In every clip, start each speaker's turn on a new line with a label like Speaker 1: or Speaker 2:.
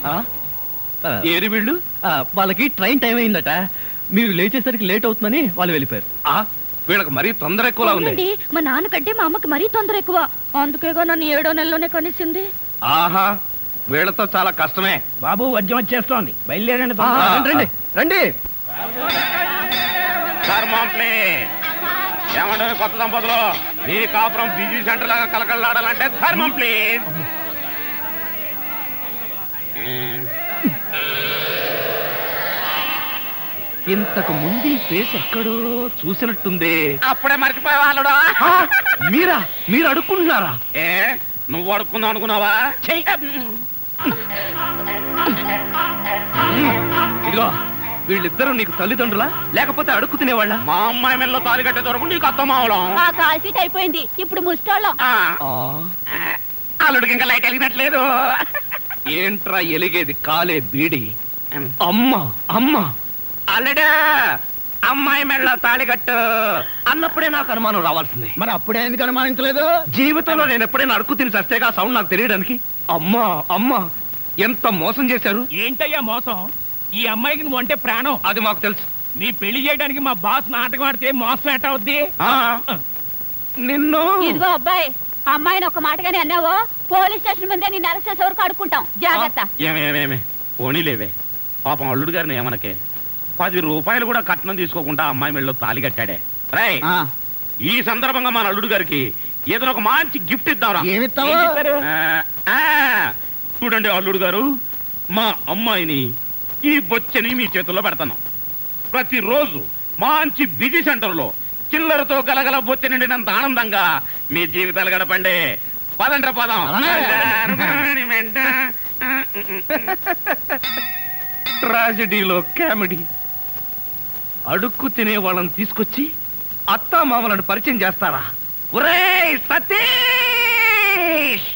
Speaker 1: ఏరి వీళ్ళు వాళ్ళకి ట్రైన్ టైం అయిందట, మీరు లేచేసరికి లేట్ అవుతుందని వాళ్ళు వెళ్ళిపోయారు. వీళ్ళకి మరీ తొందర ఎక్కువలా ఉంది.
Speaker 2: మా నాన్నకంటే మా అమ్మకి మరీ తొందర ఎక్కువ, అందుకేగా నన్ను 7వ నెలలోనే కనిసింది.
Speaker 1: ఆహా, వీళ్ళతో చాలా కష్టమే.
Speaker 3: బాబు వద్యం వచ్చేస్తోంది, బయలుదేరండి.
Speaker 1: రండి రండి.
Speaker 4: ఏమంటే కొత్త దంపతులు, మీ కాపురం బిజీ సెంటర్ లాగా కలకలాడాలంటే ధర్మం ప్లీజ్.
Speaker 1: ఇంతకు ముందు ఈ ఫేస్ ఎక్కడో చూసినట్టుంది.
Speaker 4: అప్పుడే మర్చిపోయే వాళ్ళుడా.
Speaker 1: మీరు అడుక్కుంటున్నారా?
Speaker 4: ఏ నువ్వు అడుక్కుందాం అనుకున్నావా?
Speaker 1: ఇదిగో, వీళ్ళిద్దరూ నీకు తల్లిదండ్రులా లేకపోతే అడుక్కు తినేవాళ్ళ?
Speaker 4: మా అమ్మాయి మెల్లో తాలి కట్టే దొరకు నీకు అత్తమావడం.
Speaker 2: ఆ కాల్ సీట్ అయిపోయింది, ఇప్పుడు ముస్టాళ్ళం.
Speaker 4: అల్లుడికి ఇంకా లైట్ వెలిగినట్లేదు.
Speaker 1: ఏంట్రా ఎలిగేది? కాలే బీడి. అమ్మా అమ్మా,
Speaker 4: అల్లుడు అమ్మాయి మెళ్ళో తాళి కట్టు
Speaker 1: అన్నప్పుడే నాకు అనుమానం రావాల్సింది.
Speaker 3: మరి అప్పుడే ఎందుకు అనుమానించలేదు?
Speaker 1: జీవితంలో నేను ఎప్పుడైనా అడుక్కు తిని చస్తేగా సౌండ్ నాకు తెలియడానికి. అమ్మా అమ్మా, ఎంత మోసం చేశారు.
Speaker 3: ఏంటయ్యా మోసం? ఈ అమ్మాయికి నువ్వు అంటే ప్రాణం.
Speaker 1: అది మాకు తెలుసు.
Speaker 3: నీ పెళ్లి చేయడానికి మా బాస్ నాటకం ఆడితే మోసం ఎట్ట అవుద్ది?
Speaker 1: నిన్ను
Speaker 2: ఇదిగో అబ్బాయి, అమ్మాయిని ఒక మాటగానే అన్నావో పోలీస్ స్టేషన్ ముందే నేను అరెస్ట్ చేసే వరకు అడుక్కుంటాం, జాగ్రత్త.
Speaker 4: ఏమేమేమే పోనీలేవే, పాపం అల్లుడు గారిని ఏమనకే. 10 రూపాయలు కూడా కట్నం తీసుకోకుండా అమ్మాయి మెళ్ళలో తాళి కట్టాడే. రై, ఈ సందర్భంగా మన అల్లుడు గారికి ఏదైనా ఒక మంచి గిఫ్ట్ ఇద్దాం.
Speaker 3: ఏమిస్తావు?
Speaker 4: చూడండి అల్లుడు గారు, మా అమ్మాయిని ఈ బొచ్చని మీ చేతుల్లో పెడతాను. ప్రతిరోజు మంచి బిజీ సెంటర్లో చిల్లరతో గలగల బొచ్చ నిండినంత ఆనందంగా మీ జీవితాలు గడపండి. పదండ్ర పదం.
Speaker 1: ట్రాజెడీలో కామెడీ. అడుక్కు తినే వాళ్ళని తీసుకొచ్చి అత్తా మామలను పరిచయం చేస్తారా? ఒరేయ్ సతీష్!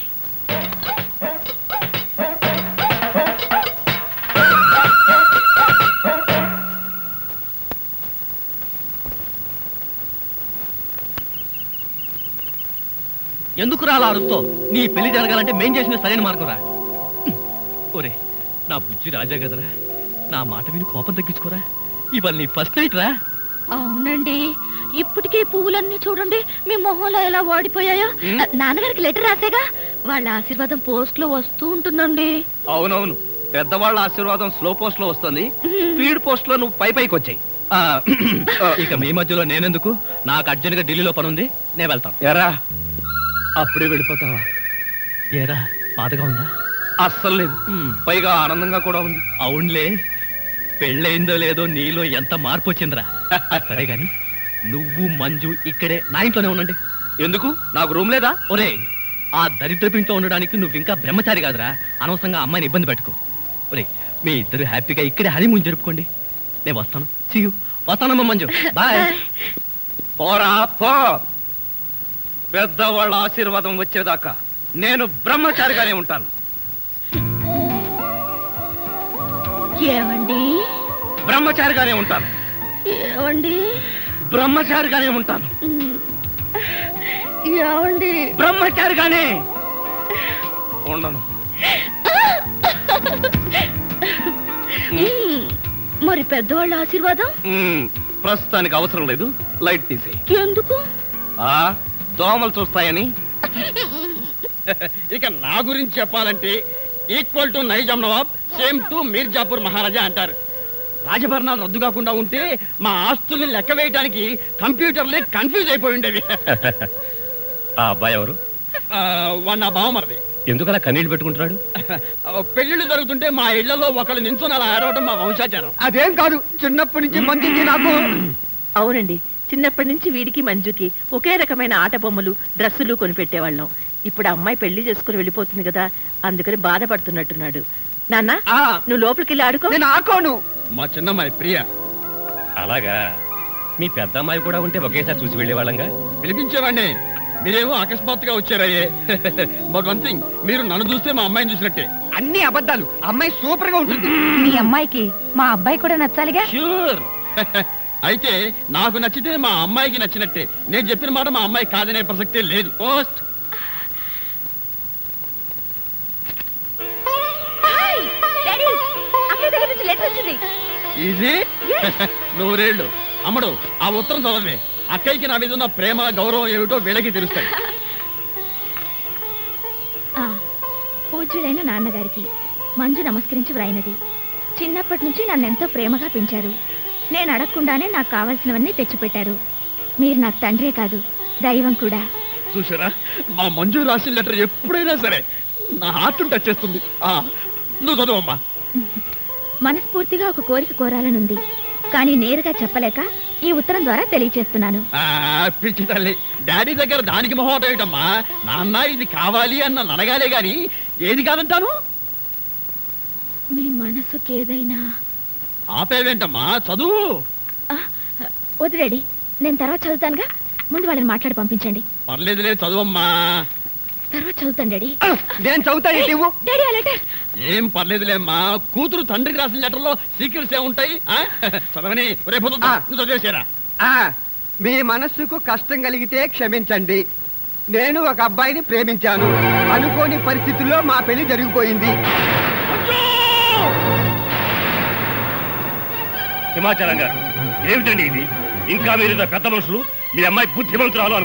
Speaker 1: ఎందుకు రాలా అడుగుతో? నీ పెళ్లి జరగాలంటే మేం చేసిన సరైన మార్గం రా. ఒరే నా బుజ్జి రాజా కదరా, నా మాట విని కోపం తగ్గించుకోరా. ఇవాళ నీ ఫస్ట్ నైట్ రా.
Speaker 2: అవునండి, ఇప్పటికే పువ్వులన్నీ చూడండి మీ మొహంలో ఎలా వాడిపోయాయో. నాన్నగారికి లెటర్ రాసేగా, వాళ్ళ ఆశీర్వాదం పోస్ట్ లో వస్తూ ఉంటుందండి.
Speaker 1: అవునవును, పెద్దవాళ్ళ ఆశీర్వాదం స్లో పోస్ట్ లో వస్తుంది, స్పీడ్ పోస్ట్ లో నువ్వు పైకి వచ్చాయి. ఇక మీ మధ్యలో నేనెందుకు? నాకు అర్జెంట్ గా ఢిల్లీలో పని ఉంది, నేను వెళ్తాను. ఎరా అప్పుడే వెళ్ళిపోతావా? ఏరా బాధగా ఉందా? అస్సలు లేదు, పైగా ఆనందంగా కూడా ఉంది. అవునులే, పెళ్ళయిందో లేదో నీలో ఎంత మార్పు వచ్చిందిరా. సరే గాని నువ్వు మంజు ఇక్కడే నా ఇంట్లోనే ఉండండి. ఎందుకు? నాకు రూమ్ లేదా? ఒరే, ఆ దరిద్రపు ఇంట్లో ఉండడానికి నువ్వు ఇంకా బ్రహ్మచారి కాదురా. అనవసరంగా అమ్మాయిని ఇబ్బంది పెట్టుకో. ఒరే, మీ ఇద్దరు హ్యాపీగా ఇక్కడే హనీమూన్ జరుపుకోండి. నేను వస్తాను. See you. వస్తానమ్మా మంజు, బాయ్. పోరా పో. పెద్దవాళ్ళ ఆశీర్వాదం వచ్చేదాకా నేను బ్రహ్మచారిగానే ఉంటాను.
Speaker 2: ఏమండి?
Speaker 1: బ్రహ్మచారిగానే ఉంటాను.
Speaker 2: ఏమండి?
Speaker 1: బ్రహ్మచారిగానే ఉంటాను.
Speaker 2: ఏమండి?
Speaker 1: బ్రహ్మచారిగానే ఉండను.
Speaker 2: మరి పెద్దవాళ్ళ ఆశీర్వాదం?
Speaker 1: ప్రస్తుతానికి అవసరం లేదు, లైట్ తీసేయి.
Speaker 2: ఎందుకు?
Speaker 1: దోమలు చూస్తాయని.
Speaker 3: ఇక నా గురించి చెప్పాలంటే equal to Nizam Nawab, same to Mirzapur Maharaja అంటారు. రాజభరణాలు రద్దు కాకుండా ఉంటే మా ఆస్తుల్ని లెక్క వేయడానికి కంప్యూటర్లే కన్ఫ్యూజ్ అయిపోయి ఉండేవి.
Speaker 1: ఆ అబ్బాయి ఎవరు?
Speaker 3: వాడు నా బావమరిది.
Speaker 1: ఎందుకలా కన్నీళ్లు పెట్టుకుంటున్నాడు?
Speaker 3: పెళ్లిళ్ళు జరుగుతుంటే మా ఇళ్లలో ఒకళ్ళు నించుని అలా ఆడవడం మా వంశాచారం.
Speaker 5: అదేం కాదు, చిన్నప్పటి నుంచి మంచిది నాకు.
Speaker 6: అవునండి, చిన్నప్పటి నుంచి వీడికి మంజుకి ఒకే రకమైన ఆట బొమ్మలు డ్రెస్సులు కొనిపెట్టేవాళ్ళం. ఇప్పుడు అమ్మాయి పెళ్లి చేసుకుని వెళ్ళిపోతుంది కదా, అందుకని బాధపడుతున్నట్టున్నాడు. నాన్న, నువ్వు లోపలికి వెళ్ళి ఆడుకో.
Speaker 5: నేను ఆకోను.
Speaker 3: మా చిన్నమ్మాయి ప్రియ.
Speaker 1: అలాగా, మీ పెద్ద అమ్మాయి కూడా ఉంటే ఒకేసారి చూసి వెళ్ళేవాళ్ళంగా.
Speaker 3: పిలిపించేవాడిని, మీరేమో అకస్మాత్తుగా వచ్చారయ్యే. బట్ వన్ థింగ్, మీరు నన్ను చూస్తే మా అమ్మాయిని చూసినట్టే.
Speaker 5: అన్ని అబద్ధాలు. అమ్మాయి సూపర్ గా ఉంటుంది.
Speaker 2: మీ అమ్మాయికి మా అబ్బాయి కూడా నచ్చాలిగా.
Speaker 3: ష్యూర్. అయితే నాకు నచ్చితే మా అమ్మాయికి నచ్చినట్టే. నేను చెప్పిన మాట మా అమ్మాయి కాదనే ప్రసక్తే లేదు. పోస్ట్.
Speaker 2: ఈజీ.
Speaker 3: ఈజీ నూరేళ్ళు. అమ్మడు ఆ ఉత్తరం చదవమే. అక్కయ్యకి నా మీద ఉన్న ప్రేమ గౌరవం ఏమిటో వీళ్ళకి తెలుస్తాయి.
Speaker 2: పూజ్యులైన నాన్నగారికి మంజు నమస్కరించి వ్రాయినది. చిన్నప్పటి నుంచి నన్నెంతో ప్రేమగా పెంచారు. నేను అడగకుండానే నాకు కావాల్సినవన్నీ తెచ్చిపెట్టారు. మీరు నాకు తండ్రే కాదు, దైవం కూడా.
Speaker 3: చూసారా, మా మంజు రాసిన లెటర్ ఎప్పుడైనా సరే నా హార్ట్ టచ్ చేస్తుంది. నువ్వు చదువమ్మా.
Speaker 2: మనస్ఫూర్తిగా ఒక కోరిక కోరాలనుంది, కానీ నేరుగా చెప్పలేక ఈ ఉత్తరం ద్వారా తెలియచేస్తున్నాను.
Speaker 3: పిచ్చి తల్లి, డాడీ దగ్గర దానికి మొహం ఏమిటమ్మా? నాన్న ఇది కావాలి అని నన్ను అడగాలే గాని ఏది కాదంటాను.
Speaker 2: మీ మనసుకి ఏదైనా.
Speaker 3: ఆపేవేంటమ్మా, చదువు.
Speaker 2: వద్దు డాడీ, నేను తర్వాత చదువుతానుగా. ముందు వాళ్ళని మాట్లాడి పంపించండి.
Speaker 3: పర్లేదులే, చదువమ్మా.
Speaker 2: తర్వాత చదువుతాను డాడీ.
Speaker 5: నేను చదువుతాను. నువ్వు
Speaker 2: డాడీ ఆ లెటర్.
Speaker 3: ఏం పర్లేదులేమ్మా, కూతురు తండ్రికి రాసిన లెటర్లో సీక్రెట్స్ ఏముంటాయి? చదవని రేపు చదివేసారా?
Speaker 5: మీ మనస్సుకు కష్టం కలిగితే క్షమించండి. నేను ఒక అబ్బాయిని ప్రేమించాను. అనుకోని పరిస్థితుల్లో మా పెళ్లి జరిగిపోయింది.
Speaker 4: హిమాచలం గారు, ఏమిటండి ఇది? ఇంకా మీరు పెద్ద మనుషులు, మీ అమ్మాయి బుద్ధిమంతురాలు